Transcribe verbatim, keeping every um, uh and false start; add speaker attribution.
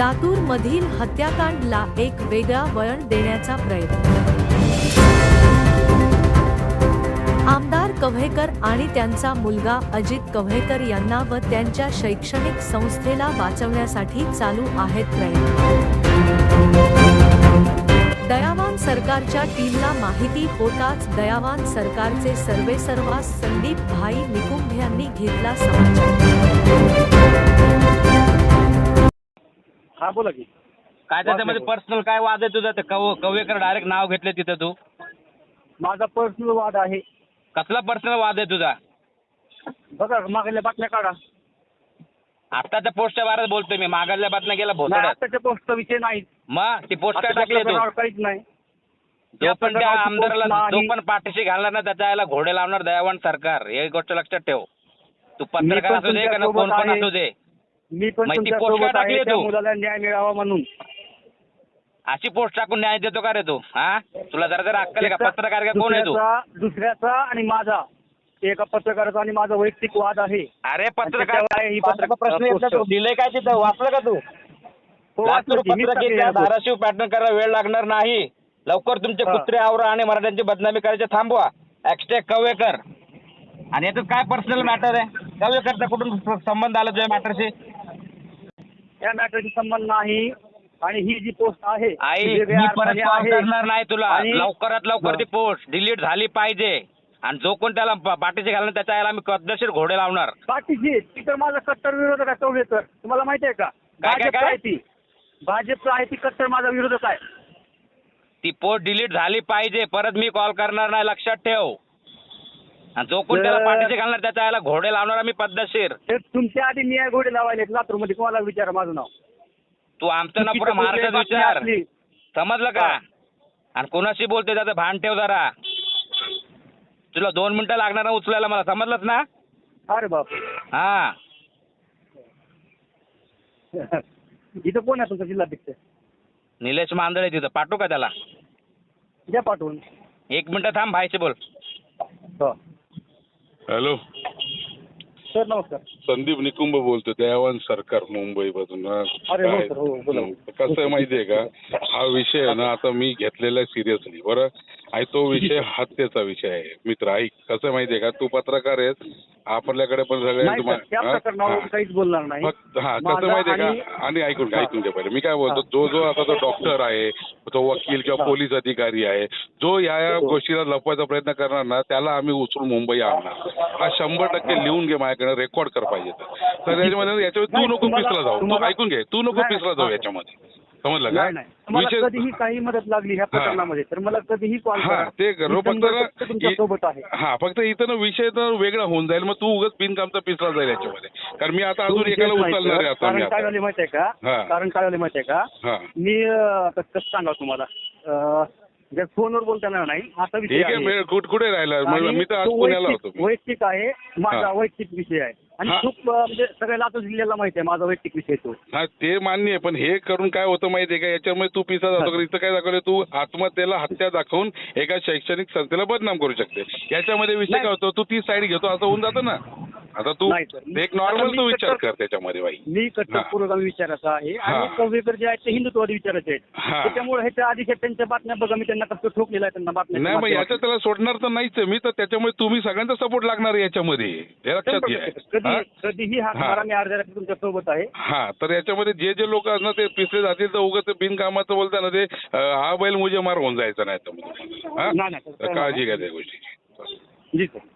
Speaker 1: लातूरमधील हत्याकांडला एक वेगळा वळण देण्याचा प्रयत्न. आमदार कव्हेकर आणि त्यांचा मुलगा अजित कव्हेकर यांना व त्यांच्या शैक्षणिक संस्थेला वाचवण्यासाठी चालू आहेत प्रयत्न. दयावान सरकारच्या टीमला माहिती होताच दयावान सरकारचे सर्वेसर्वा संदीप भाई निकुंभ यांनी घेतला समाचार.
Speaker 2: हा बोला की
Speaker 3: काय त्याच्यामध्ये पर्सनल काय वाद आहे तुझा? ते कव कव्हेकर डायरेक्ट नाव घेतले तिथं तू.
Speaker 2: माझा पर्सनल वाद आहे.
Speaker 3: कसला पर्सनल वाद आहे तुझा?
Speaker 2: बघा मागल्या बातम्या काढा.
Speaker 3: आत्ताच्या पोस्टच्या बारेत बोलतोय मी. मागायला बातम्या गेला
Speaker 2: नाही,
Speaker 3: भोसड्यात.
Speaker 2: आताच्या पोस्टचा विषय नाही.
Speaker 3: मग ती पोस्ट काय टाकली तू?
Speaker 2: काहीच नाही.
Speaker 3: जो पण त्या
Speaker 2: प्रकारची
Speaker 3: आमदाराला
Speaker 2: पोस्ट
Speaker 3: जो
Speaker 2: नाही.
Speaker 3: पण पाठीशी घालणार ना त्याच्या याला घोडे लावणार दयावान सरकार. हे गोष्ट लक्षात ठेव. तू
Speaker 2: मी
Speaker 3: पत्रकार
Speaker 2: पण
Speaker 3: असू दे का
Speaker 2: तुमच्या
Speaker 3: कोण पण
Speaker 2: सोबत
Speaker 3: असू दे.
Speaker 2: मी पण
Speaker 3: मग ती
Speaker 2: तुमच्या
Speaker 3: पोस्ट काय
Speaker 2: सोबत
Speaker 3: टाकली
Speaker 2: आहे, त्या
Speaker 3: तू?
Speaker 2: मुलाला न्याय मिळावा म्हणून.
Speaker 3: अशी पोस्ट टाकून न्याय देतो का रे तू? हा तुला जरा जरा अक्कल आहे का?
Speaker 2: त्याचा-
Speaker 3: पत्रकार का कोण आहे तू?
Speaker 2: दुसऱ्याचा दुसऱ्याचा आणि माझा एका पत्रकाराचा आणि माझा वैयक्तिक वाद आहे.
Speaker 3: अरे पत्रकार
Speaker 2: त्याच्यावर आहे ही पत्रकार-
Speaker 3: प्रश्न येत नाही. दिलंय काय तिथं? वाचलं का तू?
Speaker 2: हो,
Speaker 3: लातूर
Speaker 2: वाचलं की. मीच टाकलेलं
Speaker 3: पत्रकारिता
Speaker 2: आहे.
Speaker 3: धाराशिव पॅटर्न करायला वेळ लागणार नाही. लवकर तुमचे
Speaker 2: हा.
Speaker 3: कुत्रे आवरा आणि मराठ्यांची बदनामी करायचे थांबवा. ॲक्स्टेक कव्हेकर. आणि याच्यात काय पर्सनल मॅटर आहे? कव्हेकरचा कुठून संबंध आला तुझ्या मॅटरशी?
Speaker 2: या मॅटरशी संबंध नाही. आणि ही जी पोस्ट आहे
Speaker 3: आई
Speaker 2: ती वेगळ्या
Speaker 3: मी परत
Speaker 2: अर्थाने
Speaker 3: कॉल
Speaker 2: आहे.
Speaker 3: करणार नाही तुला.
Speaker 2: आणि-
Speaker 3: लवकरात लवकर
Speaker 2: हा.
Speaker 3: ती पोस्ट डिलीट झाली पाहिजे. आणि जो कोण त्याला पा- पाठीशी घालणार त्याच्या याला मी पद्धतशीर घोडे लावणार.
Speaker 2: बाकीची ती तर माझा कट्टर विरोधक आहे कव्हेकर. तुम्हाला माहिती आहे का?
Speaker 3: काय-
Speaker 2: भाजपचा
Speaker 3: काय?
Speaker 2: आहे ती. भाजपचा आहे ती कट्टर माझा विरोधक आहे.
Speaker 3: ती पोस्ट डिलीट झाली पाहिजे. परत मी कॉल करणार नाही. लक्षात ठेव. आणि जो कोण त्याला
Speaker 2: तर-
Speaker 3: पाठीशी घालणार त्याच्या याला घोडे लावणार मी पद्धतशीर.
Speaker 2: तर तुमच्या आधी न्याय घोडे लावायले लातूरमध्ये. कोणाला विचारा माझं नाव.
Speaker 3: तू आमचं ना पुरा
Speaker 2: चुकीचं
Speaker 3: महाराष्ट्रात
Speaker 2: बातमी
Speaker 3: विचार.
Speaker 2: असली.
Speaker 3: समजलं का?
Speaker 2: हा.
Speaker 3: आणि कोणाशी बोलते त्याचं भान ठेव जरा. तुला दोन मिनिटं लागणार ना उचलायला मला. समजलंच ना?
Speaker 2: अरे बाप.
Speaker 3: हा
Speaker 2: इथं कोण आहे तुमचा जिल्हाध्यक्ष?
Speaker 3: निलेश मांदळे तिथं. पाठवू का त्याला?
Speaker 2: द्या पाठवून.
Speaker 3: एक मिनिटं थांब. भाईशी बोल.
Speaker 2: हो.
Speaker 4: हॅलो,
Speaker 2: सर नमस्कार.
Speaker 4: संदीप निकुंभ बोलतो, दयावान सरकार मुंबईमधून.
Speaker 2: अरे हो सर, हो बोला.
Speaker 4: कसं आहे माहितीये का, हा विषय आहे ना आता मी घेतलेला आहे सिरियसली. बरं, आणि तो विषय हत्येचा विषय आहे. मित्र ऐक, कसं आहे माहितीये का, तू पत्रकार आहेस, आपल्याकडे पण
Speaker 2: नाही
Speaker 4: सगळे
Speaker 2: सर, त्या प्रकरणावर काहीच बोलणार नाही.
Speaker 4: फक्त हा कसं
Speaker 2: माझा
Speaker 4: माहितीये
Speaker 2: आणि-
Speaker 4: का, आणि ऐकून घ्या
Speaker 2: हा.
Speaker 4: ऐकून घ्या पहिले मी काय बोलतो. जो जो आता तो डॉक्टर आहे, तो वकील किंवा
Speaker 2: हा.
Speaker 4: पोलीस अधिकारी आहे, जो या या
Speaker 2: हो.
Speaker 4: गोष्टीला लपवायचा प्रयत्न करणार ना त्याला आम्ही उचलून मुंबई आणणार. हा शंभर टक्के लिहून घे माझ्याकडे, रेकॉर्ड कर पाहिजे तर. तर याच्यामध्ये याच्यामध्ये तू
Speaker 2: नाही,
Speaker 4: नको
Speaker 2: तुम्हाला-
Speaker 4: पिसला जाऊ. तू
Speaker 2: तुम्हाला-
Speaker 4: ऐकून घे, तू नको
Speaker 2: नाही,
Speaker 4: पिसला जाऊ
Speaker 2: हा.
Speaker 4: याच्यामध्ये. समजलं का?
Speaker 2: नाही नाही, तुम्हाला
Speaker 4: विषय
Speaker 2: कधीही काही मदत लागली ह्या
Speaker 4: हा.
Speaker 2: प्रकरणामध्ये तर मला कधीही कॉल
Speaker 4: हा
Speaker 2: करा.
Speaker 4: ते करो.
Speaker 2: मी
Speaker 4: फक्त
Speaker 2: शंभर
Speaker 4: ना
Speaker 2: टक्के तुमच्या सोबत आहे.
Speaker 4: हा फक्त इथं ना विषय तर वेगळा होऊन जाईल. मग तू उगाच बिनकामचा पिसला जाईल याच्यामध्ये. कारण मी आता
Speaker 2: तो
Speaker 4: अजून
Speaker 2: विषयच
Speaker 4: एकाला
Speaker 2: नाही,
Speaker 4: उचलणार आहे
Speaker 2: सर.
Speaker 4: आता मी
Speaker 2: कारण काय
Speaker 4: आता.
Speaker 2: झाले माहिती आहे का?
Speaker 4: हा.
Speaker 2: कारण काय झाले माहिती आहे का?
Speaker 4: हा
Speaker 2: मी अं, कसं कसं सांगा तुम्हाला, अं, जर फोनवर बोलताना नाही असा विषय
Speaker 4: ठीक आहे.
Speaker 2: आहे.
Speaker 4: मी कुठे कुठे राहिला
Speaker 2: आणि
Speaker 4: मी तर आज
Speaker 2: तो
Speaker 4: पुण्याला
Speaker 2: वैयक्तिक-
Speaker 4: होतो.
Speaker 2: वैयक्तिक आहे माझा,
Speaker 4: हा.
Speaker 2: वैयक्तिक विषय आहे. आणि
Speaker 4: हा.
Speaker 2: खूप अं, म्हणजे सगळ्या लातूर जिल्ह्याला माहिती आहे माझा वैयक्तिक विषय तो.
Speaker 4: हा ते मान्य आहे, पण हे करून काय होतं माहितीये का, याच्यामुळे तू पिसा जातो. कारण इथं काय दाखवलं, तू आत्महत्येला हत्या दाखवून एका शैक्षणिक संस्थेला बदनाम करू शकते. याच्यामध्ये विषय
Speaker 2: नाही.
Speaker 4: काय होतो, तू ती साईड घेतो असं होऊन जातं ना. आता तू
Speaker 2: नाही सर.
Speaker 4: एक
Speaker 2: आता
Speaker 4: नॉर्मल
Speaker 2: मी
Speaker 4: तू विचार
Speaker 2: कट्टर-
Speaker 4: कर त्याच्यामध्ये बाई.
Speaker 2: मी कट्टर
Speaker 4: हा.
Speaker 2: पुरोगामी विचाराचा आहे आणि
Speaker 4: हा.
Speaker 2: कव्हेकर जे आहेत ते हिंदुत्ववादी विचाराचे आहेत.
Speaker 4: हा.
Speaker 2: त्याच्यामुळे ह्याच्या आधी त्यांच्या बातम्या बघा, मी त्यांना कसं ठोकलेलं आहे त्यांना बातम्या.
Speaker 4: नाही मग याच्यात त्याला सोडणार तर नाहीच आहे मी. तर त्याच्यामुळे तुम्ही सगळ्यांचा सपोर्ट लागणार आहे याच्यामध्ये, हे लक्षात घ्या.
Speaker 2: कधी
Speaker 4: हा?
Speaker 2: कधीही हात
Speaker 4: हा.
Speaker 2: मारा, मी अर्ध्या रात्री तुमच्या सोबत आहे.
Speaker 4: हा तर याच्यामध्ये जे जे लोक असणार ते पिसले जातील तर उगाच बिनकामाचं बोलता ना ते अं, हा बैल मुझे मार होऊन जायचं नाही तर. हा
Speaker 2: नाही, नाही,
Speaker 4: तर काळजी घ्या त्या गोष्टीची.
Speaker 2: जी सर.